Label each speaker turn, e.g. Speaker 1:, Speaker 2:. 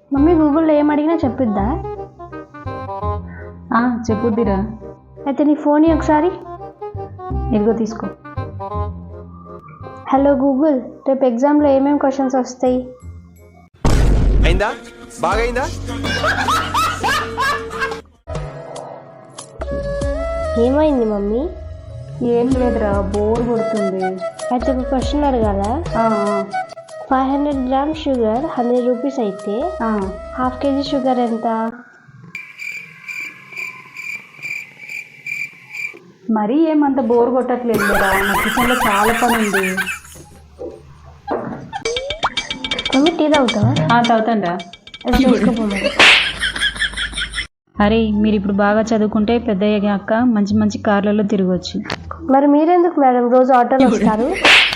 Speaker 1: Mummy గూగుల్లో ఏం అడిగినా చెప్పిద్దా?
Speaker 2: చెప్పుద్దిరా.
Speaker 1: అయితే నీ ఫోన్ ఒకసారి
Speaker 2: ఇదిగో తీసుకో.
Speaker 1: హలో గూగుల్, రేపు ఎగ్జామ్లో ఏమేమి క్వశ్చన్స్ వస్తాయి?
Speaker 3: అయిందా? బాగైందా?
Speaker 1: ఏమైంది మమ్మీ?
Speaker 2: ఏం లేదురా, బోర్ కొడుతుంది.
Speaker 1: అయితే ఒక క్వశ్చన్ అడగాల. 500 grams షుగర్ 100 రూపీస్ అయితే హాఫ్ కేజీ షుగర్ ఎంత?
Speaker 2: మరీ ఏమంత బోర్ కొట్టట్లేదు కదా, నా కిచెన్లో చాలా పని ఉంది.
Speaker 1: మమ్మీ టీ తాగుతావా?
Speaker 2: తాగుతాంరా.
Speaker 1: తీసుకోపోమని.
Speaker 2: అరే, మీరు ఇప్పుడు బాగా చదువుకుంటే పెద్ద అయ్యాక మంచి మంచి కార్లలో తిరగవచ్చు.
Speaker 1: మరి మీరెందుకు మేడం రోజు ఆటోలో వస్తారు?